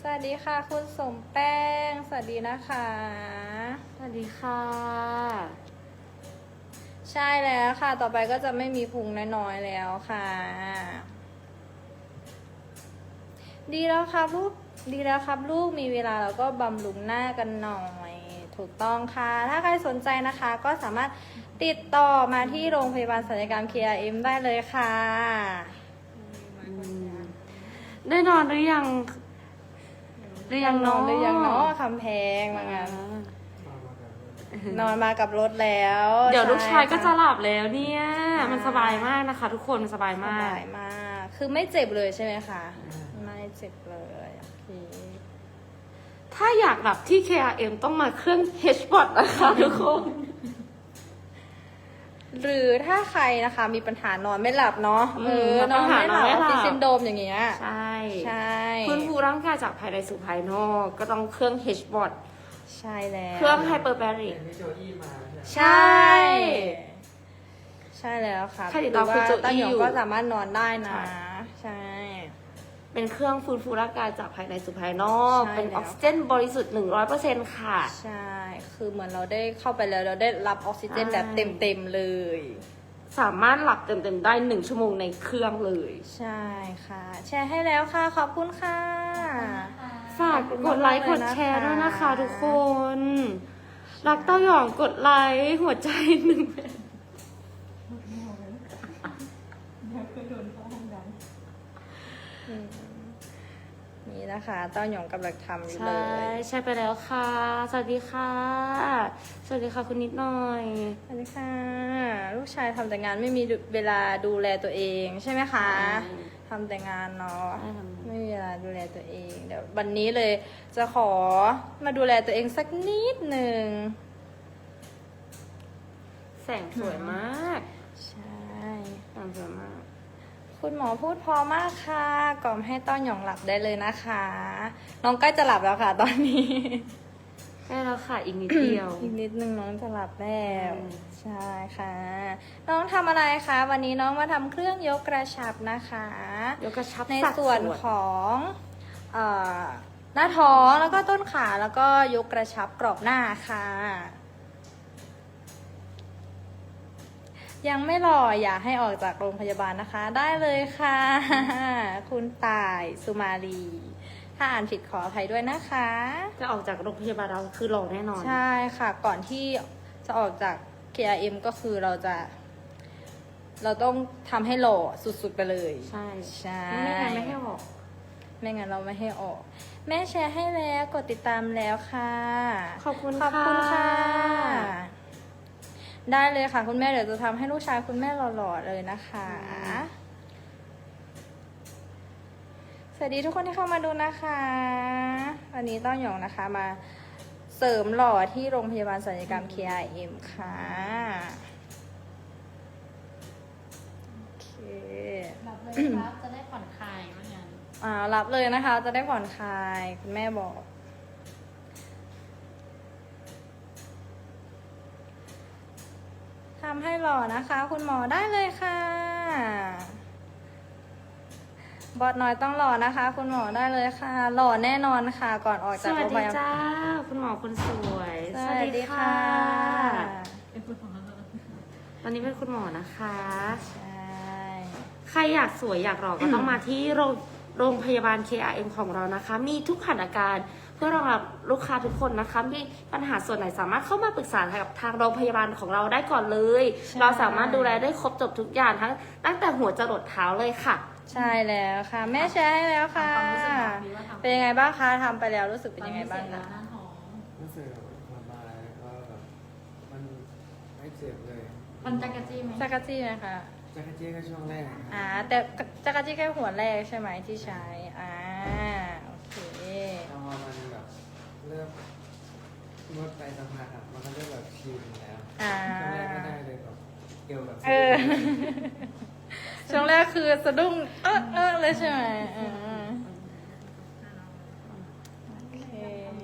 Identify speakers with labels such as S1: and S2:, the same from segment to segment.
S1: สวัสดีค่ะคุณสมแป้งสวัสดีนะคะ
S2: สวัสดีค่ะ
S1: ใช่แล้วค่ะต่อไปก็จะไม่มีพุงน้อยๆแล้วค่ะดีแล้วครับลูกดีแล้วครับลูกมีเวลาแล้วก็บำรุงหน้ากันหน่อยถูกต้องค่ะถ้าใครสนใจนะคะก็สามารถติดต่อมาที่โรงพยาบาลศัลยกรรม KRM ได้เลยค่ะ
S2: ได้นอนหรือยัง
S1: นอนหรือยังเนาะคำแพงว่างั้นนอนมากับรถแล้ว
S2: เดี๋ยวลูกชายก็จะหลับแล้วเนี่ยมันสบายมากนะคะทุกคนสบายมาก
S1: สบายมากคือไม่เจ็บเลยใช่ไหมคะไม่เจ็บเลยโอเค
S2: ถ้าอยากหลับที่ KRM ต้องมาเครื่อง H-Bot นะคะทุกคน
S1: หรือถ้าใครนะคะมีปัญหานอนไม่หลับเนาะนอนไม่หลับออฟฟิศซินโดรมอย่างเงี้ย
S2: ใช่
S1: ใช่
S2: ฟื้นฟูร่างกายจากภายในสู่ภายนอกก็ต้องเครื่อง H-Bot
S1: ใช่แล้ว
S2: เครื่อง Hyperbaric
S1: ใช่ใช่แล้วค่ะ
S2: ใครติดต่อคุณโจอี้อยู่
S1: ก็สามารถนอนได้นะใช่
S2: เป็นเครื่องฟื้นฟูร่างกายจากภายในสู่ภายนอก
S1: ใช่
S2: เป็นออกซิเจนบริสุทธิ์ 100% ค่ะ
S1: ใช่คือเหมือนเราได้เข้าไปแล้วเราได้รับออกซิเจนแบบเต็มๆเลย
S2: สามารถหลับเต็มๆได้1 ชั่วโมงในเครื่องเลย
S1: ใช่ค่ะ แชร์ให้แล้วค่ะขอบคุณค่ะ
S2: ฝากกดไลค์กดแชร์ด้วยนะคะทุกคน รักเต้าหยองกดไลค์หัวใจ1
S1: นี่นะคะเต้าหยองกำลังทำอยู่เล
S2: ใช่
S1: ย
S2: ใช่ไปแล้วค่ะ สวัสดีค่ะ สวัสดีค่ะคุณนิดหน่อย
S1: สวัสดีค่ะ ลูกชายทำแต่งานไม่มีเวลาดูแลตัวเองใช่ไหมคะทำแต่งานเนาะไม่มีเวลาดูแลตัวเองเดี๋ยววันนี้เลยจะขอมาดูแลตัวเองสักนิดหนึ่ง
S2: แสงสวยมาก
S1: ใช่
S2: แสงสวยมาก
S1: คุณหมอพูดพอมากค่ะกล่อมให้ต้อนหยองหลับได้เลยนะคะ น้องใกล้จะหลับแล้วค่ะ ตอนนี้
S2: ใกล้แล้วค่ะอีกนิดเดียว
S1: อีกนิดนึงน้องจะหลับแล้ว
S2: อืม
S1: ใช่ค่ะ น้องทำอะไรคะวันนี้น้องมาทำเครื่องยกกระชับนะคะ
S2: ยกกระชับ
S1: ใน
S2: สัด
S1: ส่วนของหน้าท้องแล้วก็ต้นขาแล้วก็ยกกระชับกรอบหน้าค่ะ ยังไม่หล่ออย่าให้ออกจากโรงพยาบาลนะคะ ได้เลยค่ะ คุณต่ายสุมาลีถ้าอ่านผิดขออภัยด้วยนะคะ
S2: จะออกจากโรงพยาบาลเราคือหล่อแน่นอน
S1: ใช่ค่ะ ก่อนที่จะออกจาก KRM ก็คือเราต้องทำให้หล่อสุดๆไปเลย
S2: ใช่
S1: ใช่
S2: ไม่งั้นไม่ให้ออก
S1: ไม่งั้นเราไม่ให้ออก แม่แชร์ให้แล้วกดติดตามแล้วค่ะ
S2: ขอบคุณ
S1: ขอบคุณค่ะ ได้เลยค่ะ คุณแม่เดี๋ยวจะทำให้ลูกชายคุณแม่หล่อๆเลยนะคะ สวัสดีทุกคนที่เข้ามาดูนะคะ วันนี้ต้อนหยองนะคะมาเสริมหล่อที่โรงพยาบาลศัลยกรรม KRM ค่ะโอเค
S3: รับเลยครับจะได้ผ่อนคลายว่างั้น
S1: รับเลยนะคะ จะได้ผ่อนคลายคุณแม่บอกทำให้หล่อนะคะ คุณหมอได้เลยค่ะ บอสน้อยต้องหล่อนะคะ คุณหมอได้เลยค่ะ หล่อแน่นอนค่ะ ก่อนออก
S2: ส
S1: จาก
S2: วั
S1: โร
S2: ส
S1: งพ
S2: ดี
S1: ยาบาล
S2: จ้า คุณหมอคนสวย
S1: สวัสดีค่ะ
S2: ตอนนี้เป็นคุณหมอนะคะ
S1: ใช่
S2: ใครอยากสวยอยากหล่อก็ต้องมาที่โรงพยาบาล KRM ของเรานะคะ มีทุกสถานการณ์เพื่อรองรับลูกค้าทุกคนนะคะ มีปัญหาส่วนไหนสามารถเข้ามาปรึกษากับทางโรงพยาบาลของเราได้ก่อนเลย เราสามารถดูแลได้ครบจบทุกอย่างตั้งแต่หัวจรดเท้าเลยค่ะ
S1: ใช่แล้วค่ะ แม่แชร์ให้แล้วค่ะ
S3: ความรู้สึกแบบนี้ว่าทำ
S1: เป็นยังไงบ้างคะทำไปแล้วรู้สึกเป็นยังไงบ้าง
S3: ตอนนี้เสร็จ
S1: คะ
S3: แล้วหน้าท้อง
S4: รู้สึกสบายแล้วก็แบบมันไม่เจ็บเลย
S3: มันจักรจี้ไหม
S1: จักรจี้ไหมคะ
S4: จักรจี้ก็ช่วงแรกครับ
S1: แต่จักรจี้แค่หัวแรกใช่ไหมที่ใช้โอเค
S4: แต่พอมันแบบเริ่มนวดไปสักพักอะมันก็เริ่มแบบชินแล้วช่วงแรกไม่ได้เลยแบบเอวแบบ
S1: ช่วงแรกคือสะดุ้งเลยใช่ไหมโอเค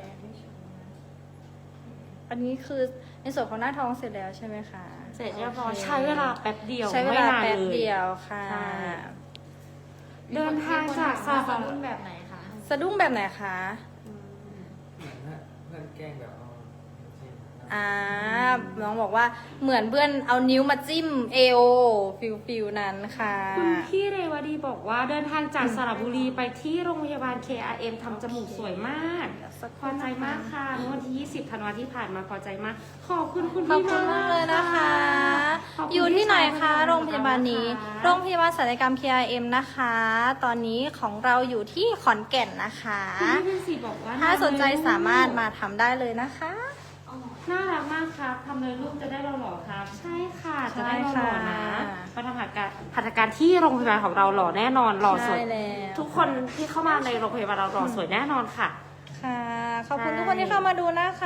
S1: อันนี้คือในส่วนของหน้าท้องเสร็จแล้วใช่ไหมคะ
S2: เสร็จเรียบร้อยใช้เวลาแป๊บเดียว
S1: ใช้เวลา
S2: ไม่นน
S1: แป๊บ
S2: ล
S1: เดียวค่ะ
S2: ใช่ เดินทางจาก
S3: ซา
S2: ซา
S3: ฟา
S2: ฟา
S3: รุ่นแบบไหนคะ
S1: สสะดุ้งแบบไหนคะ
S4: เหมือนว่าเพื่อนแกล้งแบบเอาจริงๆ
S1: น้องบอกว่าเหมือนเพื่อนเอานิ้วมาจิ้มเอวฟิลนั้นค่ะ
S2: คุณพี่เรวดีบอกว่าเดินทางจากสระบุรีไปที่โรงพยาบาล KRM ทำจมูกสวยมากพอใจมากค่ะเมื่อวันที่ 20 ธันวาที่ผ่านมาพอใจมาก ขอบคุณคุณ
S1: ขอบ
S2: พี่
S1: คุณมากเลยนะคะ
S2: ขบคุณ
S1: อยู่ที่ไหนคะ
S2: พี่ชาย
S1: โรงพยาบาลนี้
S2: ขอบคุณค่ะ
S1: โรงพยาบาลศัลยกรรม KRM นะคะ ตอนนี้ของเราอยู่ที่ขอนแก่นนะคะ
S2: คุณพี่เป็นสีบอกว่า
S1: ถ้าสนใจสามารถมาทำได้เลยนะคะ
S2: น่ารักมากครับทำเลยลูกจะได้หล่อๆครับ ใช่ค่ะ จะได้ห
S1: ใช่
S2: ล่อ
S1: ค่ะ
S2: ๆนะมาทำหัตถการที่โรงพยาบาลของเราหล่อแน่นอนหล่อสวย
S1: ใช่แล้ว
S2: ทุกคนที่เข้ามาในโรงพยาบาลเราหล่อสวยแน่นอนค่ะ
S1: ค่ะ ขอบคุณ
S2: ใช่
S1: ทุกคนที่เข้ามาดูนะคะ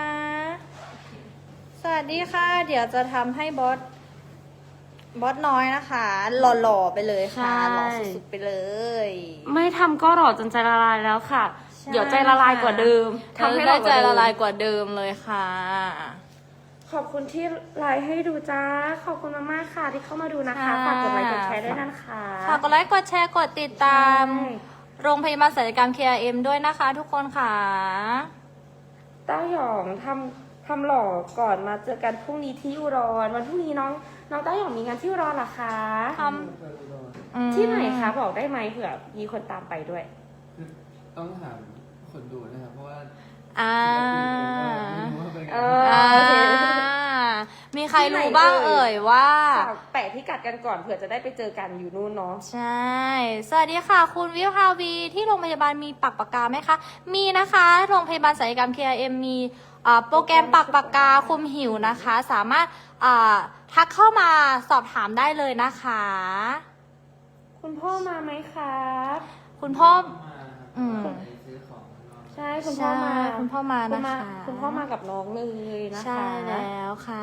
S1: สวัสดีค่ะ เดี๋ยวจะทำให้บอสน้อยนะคะ หล่อๆไปเลยค่ะ หล่อสุดๆไปเลย
S2: ไม่ทำก็หล่อจนใจละลายแล้วค่ะ
S1: ใช่
S2: เดี๋ยวใจละลายกว่าเดิม
S1: ทำให้
S2: ห
S1: ได้
S2: อก
S1: ใจ
S2: ว่าเดิม
S1: ละลายกว่าเดิมเลยค่ะ
S2: ขอบคุณที่ไลฟ์ให้ดูจ้า ขอบคุณมากๆค่ะที่เข้ามาดูนะคะ
S1: ค่ะ
S2: ฝากกดไลค์กดแชร์ด้วยนะคะ
S1: ฝากกดไลค์กดแชร์กดติดตาม
S2: ใช่
S1: โรงพยาบาลศัลยกรรม KRM ด้วยนะคะทุกคนค่ะ
S2: เต้าหยองทำหล่อก่อนมาเจอกันพรุ่งนี้ที่อุดรวันพรุ่งนี้น้องเต้าหยองมีงานที่อุดรเหรอคะ
S1: ท
S2: ที่ไหนคะบอกได้ไหมเผื่อมีคนตามไปด้วย
S4: ต้องถามคนดูนะครับ เพราะว่า
S1: อ่า
S4: ไม่รู้ว่าเป็นไง
S2: เอ
S1: อ่า
S2: โอเค
S1: มีใครรู้บ้างเอ่ยว่า
S2: ฝากแปะพิกัดกันก่อนเผื่อจะได้ไปเจอกันอยู่นู่นเนาะ
S1: ใช่ สวัสดีค่ะ คุณวิภาวีที่โรงพยาบาลมีปักปากกาไหมคะ มีนะคะ โรงพยาบาลศัลยกรรม KRM มีโปรแกรมปักปากกาคุมหิวนะคะ สามารถทักเข้ามาสอบถามได้เลยนะคะ
S2: คุณพ่อมาไหมครับ
S1: คุณพ่อ
S4: มาครับ
S1: อืม
S4: ไปซื้อของข้างนอก
S2: ใช่คุณพ่อมา
S1: ใช่คุณพ่อมานะคะ
S2: คุณพ่อมากับน้องเลยนะคะ
S1: ใช่แล้วค่ะ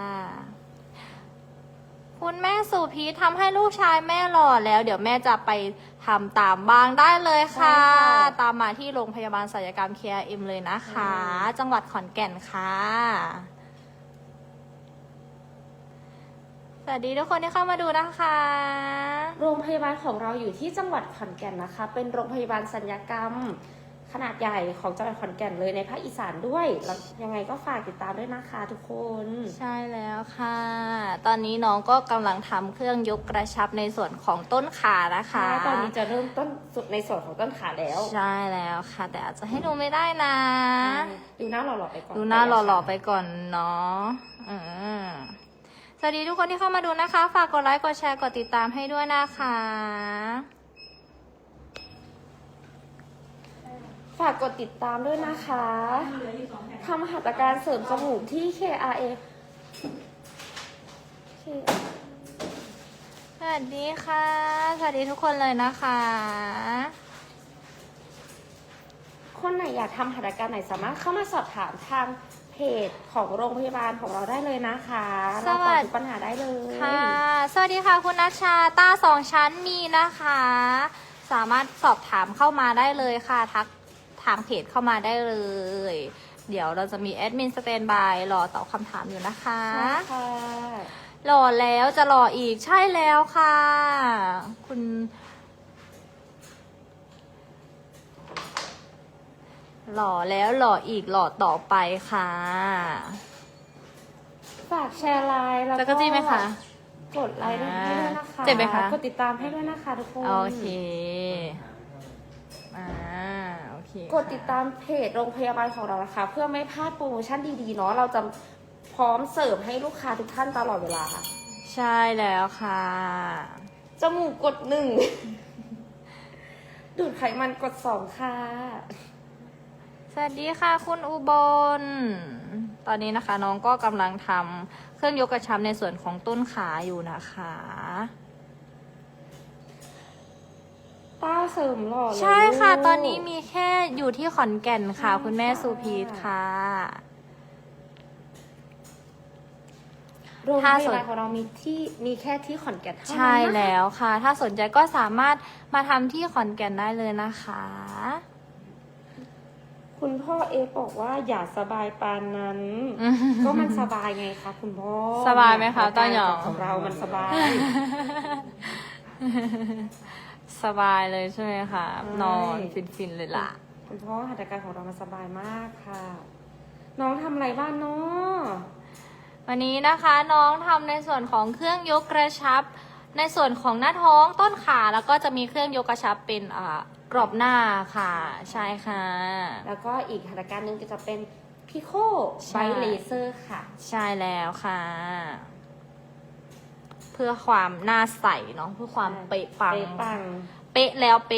S1: คุณแม่สุพีทำให้ลูกชายแม่หล่อแล้ว เดี๋ยวแม่จะไปทำตามบ้างได้เลยค่ะ ตามมาที่โรงพยาบาลศัลยกรรม KRM เลยนะคะ จังหวัดขอนแก่นค่ะ สวัสดีทุกคนที่เข้ามาดูนะคะ
S2: โรงพยาบาลของเราอยู่ที่จังหวัดขอนแก่นนะคะ เป็นโรงพยาบาลศัลยกรรม ขนาดใหญ่ของจังหวัดขอนแก่นเลยในภาคอีสานด้วยแล้วยังไงก็ฝากติดตามด้วยนะคะทุกคน
S1: ใช่แล้วค่ะ ตอนนี้น้องก็กำลังทำเครื่องยกกระชับในส่วนของต้นขานะคะ
S2: ตอนนี้จะเริ่มต้นสุดในส่วนของต้นขาแล้ว
S1: ใช่แล้วค่ะ แต่อาจจะให้ดูไม่ได้นะ
S2: ดูหน้าหล่อๆไปก่อน
S1: ดูหน้าหล่อๆไปก่อนเนาะสวัสดีทุกคนที่เข้ามาดูนะคะ ฝากกดไลค์ กดแชร์ กดติดตามให้ด้วยนะคะ
S2: ฝากกดติดตามด้วยนะคะทำหัตถการเสริมจมูกที่ KRA
S1: สวัสดีค่ะ สวัสดีทุกคนเลยนะคะ
S2: คนไหนอยากทำหัตถการไหนสามารถเข้ามาสอบถามทางเพจของโรงพยาบาลของเราได้เลยนะคะเราตอบทุกปัญหาได้เลย
S1: ค่ะ สวัสดีค่ะคุณนัชชาตาสองชั้นมีนะคะ สามารถสอบถามเข้ามาได้เลยค่ะ ทักทางเพจเข้ามาได้เลย เดี๋ยวเราจะมีแอดมินสแตนบายรอตอบคำถามอยู่นะคะ
S2: ค่ะ
S1: หล่อแล้วจะหล่ออีกใช่แล้วค่ะ คุณหล่อแล้วหล่ออีกหล่อต่อไปค่ะ
S2: ฝากแชร์ไลน์แล้ว
S1: จะกระจี้ไหมคะ
S2: กดไลค์ให้ด้วยนะคะ
S1: เจ็บไหมคะ
S2: กดติดตามให้ด้วยนะคะทุกคน
S1: โอเคโอเค
S2: กดติดตามเพจโรงพยาบาลของเรานะคะ เพื่อไม่พลาดโปรโมชั่นดีๆเนาะเราจะพร้อมเสิร์ฟให้ลูกค้าทุกท่านตลอดเวลาค่ะ
S1: ใช่แล้วค่ะ
S2: จมูกกด 1 ดูดไขมันกด 2 ค่ะ
S1: สวัสดีค่ะคุณอุบล ตอนนี้นะคะน้องก็กำลังทำเครื่องยกกระชับในส่วนของต้นขาอยู่นะคะ
S2: ต้าเสริมหล่อเลย
S1: ใช่ค่ะ
S2: ลูก
S1: ตอนนี้มีแค่อยู่ที่ขอนแก่นค่ะ คุณแม่สุพีทค่ะ
S2: โรงพ
S1: ถ้าย
S2: า
S1: สน
S2: บาลของเรามีแค่ที่ขอนแก่นเท่านั้น
S1: ใช่
S2: นะคะ
S1: แล้วค่ะ ถ้าสนใจก็สามารถมาทำที่ขอนแก่นได้เลยนะคะ
S2: คุณพ่อเอบอกว่าอย่าสบายปานนั้น ก็มันสบายไงคะคุณพ่อ
S1: สบายไหมคะต้าหยอง
S2: ของเรามันสบาย
S1: สสบายเลยใช่ไหมคะนอนฟินๆเลยล่ะ
S2: คุณพ่อหัตถการของเรามันสบายมากค่ะ น้องทำอะไรบ้างเนาะ
S1: วันนี้นะคะน้องทำในส่วนของเครื่องยกกระชับ ในส่วนของหน้าท้องต้นขาแล้วก็จะมีเครื่องยกกระชับเป็นกรอบหน้าค่ะ ใช่ค่ะ
S2: แล้วก็อีกหัตถการหนึ่งก็จะเป็นพิโค
S1: ใช่
S2: ไบเลเซอร์ค่ะ
S1: ใช่แล้วค่ะ เพื่อความหน้าใสเนาะเพื่อความเป๊ะปัง
S2: เป๊ะปัง
S1: เป๊ะแล้วเป๊ะ